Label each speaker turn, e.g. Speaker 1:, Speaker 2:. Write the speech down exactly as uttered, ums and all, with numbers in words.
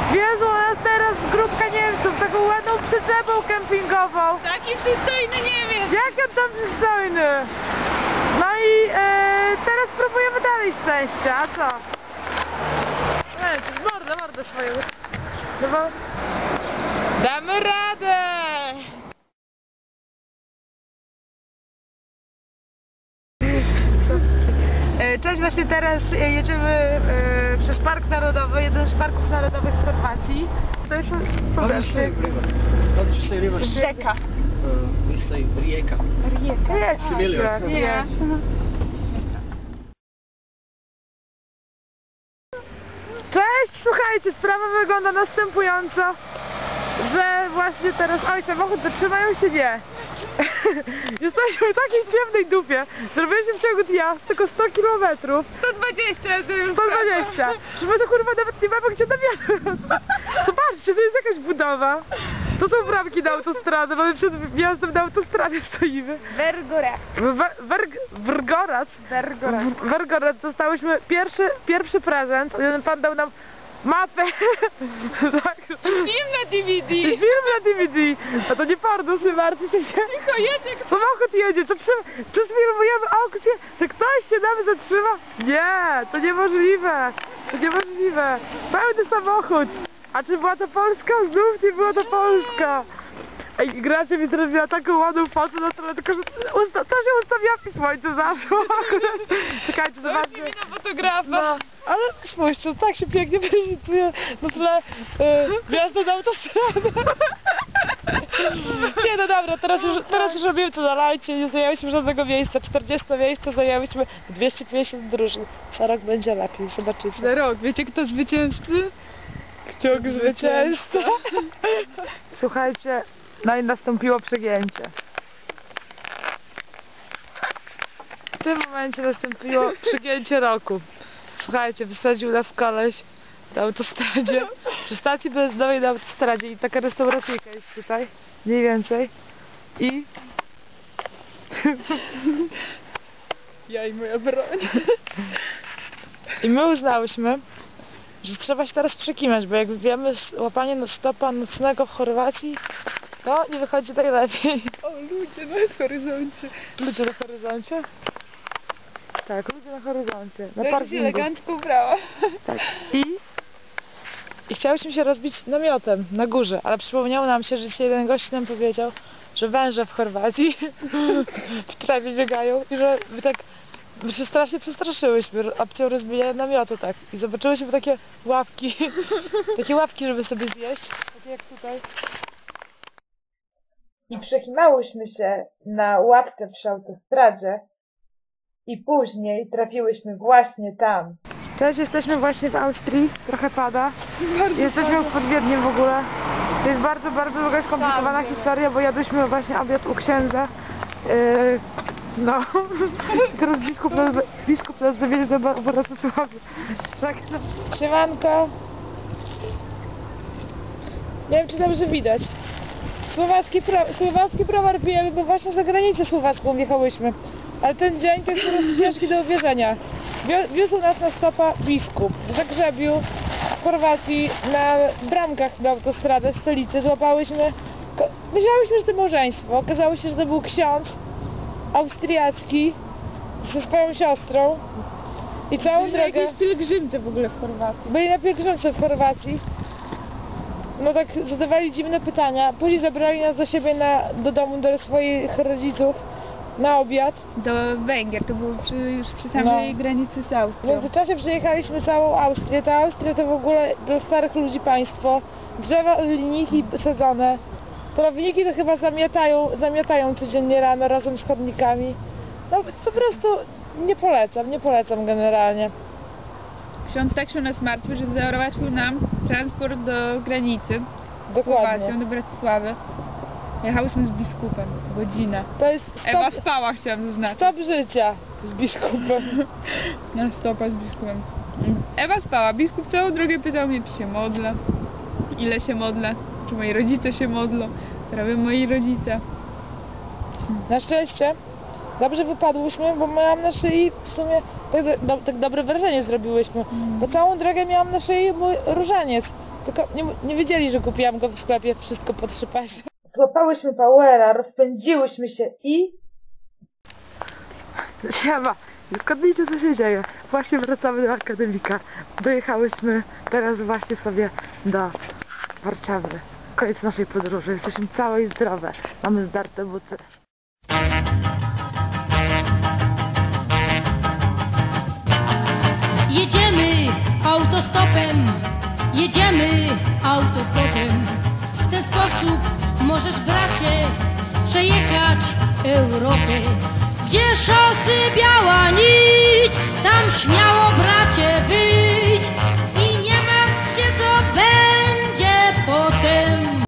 Speaker 1: Wiedzą nas teraz grupka Niemców, taką ładną przyczepą kempingową.
Speaker 2: Taki przystojny Niemiec!
Speaker 1: Jak on tam przystojny? No i e, teraz próbujemy dalej szczęścia, a co? Nie, to jest mordę, mordę swoją. No bo...
Speaker 2: Damy radę!
Speaker 1: Cześć, właśnie teraz jedziemy e, przez Park Narodowy, jeden z parków narodowych w Chorwacji. To jest
Speaker 3: Rzeka.
Speaker 2: Rzeka.
Speaker 3: Rijeka.
Speaker 1: Rijeka.
Speaker 2: Nie.
Speaker 1: Cześć, słuchajcie, sprawa wygląda następująco, że właśnie teraz... Oj, samochód zatrzymają się nie. Jesteśmy w takiej ciemnej dupie. Zrobiliśmy w ciągu dnia tylko sto kilometrów.
Speaker 2: sto dwadzieścia,
Speaker 1: sto dwadzieścia. Że my to kurwa nawet nie mamy gdzie nawiedzać. Zobaczcie, to jest jakaś budowa. To są bramki na autostradę, mamy przed wjazdem na autostradę stoimy.
Speaker 2: Wergorac.
Speaker 1: Wergorac.
Speaker 2: Wergorac.
Speaker 1: Wergorac. Dostałyśmy pierwszy, pierwszy prezent. Jeden pan dał nam mapę. Tak.
Speaker 2: Film na D V D.
Speaker 1: I film na D V D. A to nie porno, nie martwcie się.
Speaker 2: Tylko jedzie kto...
Speaker 1: Samochód jedzie, to trzeba... Czy sfilmujemy aukcję, że ktoś się nam zatrzyma? Nie, to niemożliwe. To niemożliwe. Pełny samochód. A czy była to Polska? Znów nie była to Polska. Ej, Gracia mi zrobiła taką ładną fotę na stronę, tylko że usta to się ustawiła w słońce zaszło. Czekajcie, zobaczcie.
Speaker 2: mi na fotografa.
Speaker 1: No, ale spójrzcie, tak się pięknie prezentuje na tle e, gwiazdy na autostradę. Nie, no dobra, teraz już, teraz już robimy to na lajcie, nie zajęłyśmy żadnego miejsca. czterdzieści miejsca zajęłyśmy dwieście pięćdziesiąt drużyn. Za rok będzie lepiej, zobaczycie.
Speaker 2: Za rok. Wiecie kto zwycięzcy?
Speaker 1: Kciuk zwycięzca. Słuchajcie, no i nastąpiło przegięcie. W tym momencie nastąpiło przegięcie roku. Słuchajcie, wysadził nas koleś na autostradzie, przy stacji benzynowej na autostradzie i taka restauracyjka jest tutaj, mniej więcej. I...
Speaker 2: Ja i moja broń.
Speaker 1: I my uznałyśmy, że trzeba się teraz przekimać, bo jak wiemy, łapanie stopa nocnego w Chorwacji, to nie wychodzi najlepiej.
Speaker 2: O, ludzie na horyzoncie.
Speaker 1: Ludzie na horyzoncie? Tak, ludzie na horyzoncie, na
Speaker 2: Tak się
Speaker 1: parkingu.
Speaker 2: elegancko ubrała.
Speaker 1: Tak. I, I chciałyśmy się rozbić namiotem na górze, ale przypomniało nam się, że dzisiaj jeden gość nam powiedział, że węże w Chorwacji w trawie biegają i że my tak my się strasznie przestraszyłyśmy opcją rozbijania namiotu, tak. I zobaczyłyśmy takie łapki, takie łapki, żeby sobie zjeść, takie jak tutaj.
Speaker 4: I przekimałyśmy się na łapce przy autostradzie i później trafiłyśmy właśnie tam.
Speaker 1: Cześć, jesteśmy właśnie w Austrii, trochę pada. Jesteśmy pod Wiedniem w ogóle. To jest bardzo, bardzo długa, skomplikowana historia, bo jadłyśmy właśnie obiad u księdza. Yy, no, teraz biskup nas, biskup nas zawiezie do Bratysławy. Tak, no. Siemanko. Nie wiem, czy dobrze widać. Słowacki, pro, słowacki browar pijemy, bo właśnie za granicę słowacką wjechałyśmy. Ale ten dzień to jest po prostu ciężki do uwierzenia. Wiózł nas na stopa biskup. W Zagrzebiu, w Chorwacji, na bramkach na autostradę, w stolicy złapałyśmy... Myślałyśmy, że to małżeństwo. Okazało się, że to był ksiądz austriacki ze swoją siostrą. I całą
Speaker 2: Byli
Speaker 1: drogę...
Speaker 2: jakieś pielgrzymce w ogóle w Chorwacji.
Speaker 1: Byli na pielgrzymce w Chorwacji. No tak zadawali dziwne pytania. Później zabrali nas do siebie na, do domu, do swoich rodziców na obiad.
Speaker 2: Do Węgier, to było przy, już przy samej
Speaker 1: No.
Speaker 2: granicy z
Speaker 1: W
Speaker 2: Austrią.
Speaker 1: międzyczasie przejechaliśmy całą Austrię. Ta Austria to w ogóle dla starych ludzi państwo. Drzewa, linijki sadzone. Trawniki to chyba zamiatają, zamiatają codziennie rano razem z chodnikami. No po prostu nie polecam, nie polecam generalnie.
Speaker 2: Ksiądz tak się nas martwił, że załatwił nam transport do granicy z
Speaker 1: Dokładnie.
Speaker 2: Słowacją, do Bratysławy. Jechałyśmy z biskupem, godzinę.
Speaker 1: To jest
Speaker 2: Ewa
Speaker 1: stop,
Speaker 2: spała, chciałam zaznaczyć.
Speaker 1: stop życia z biskupem.
Speaker 2: Na stopa z biskupem. Ewa spała, biskup całą drogę pytał mnie, czy się modlę, ile się modlę, czy moi rodzice się modlą, co robią moi rodzice.
Speaker 1: Na szczęście dobrze wypadłyśmy, bo miałam na szyi w sumie tak, do, tak dobre wrażenie zrobiłyśmy. Bo całą drogę miałam na szyi mój różaniec. Tylko nie, nie wiedzieli, że kupiłam go w sklepie, wszystko po trzy pasie.
Speaker 4: Złapałyśmy Powera, rozpędziłyśmy się i...
Speaker 1: Siema, zgadnijcie co się dzieje. Właśnie wracamy do akademika. Dojechałyśmy teraz właśnie sobie do Warszawy. Koniec naszej podróży. Jesteśmy całe i zdrowe. Mamy zdarte buty.
Speaker 5: Jedziemy autostopem, jedziemy autostopem. W ten sposób możesz, bracie, przejechać Europę. Gdzie szosy biała nić, tam śmiało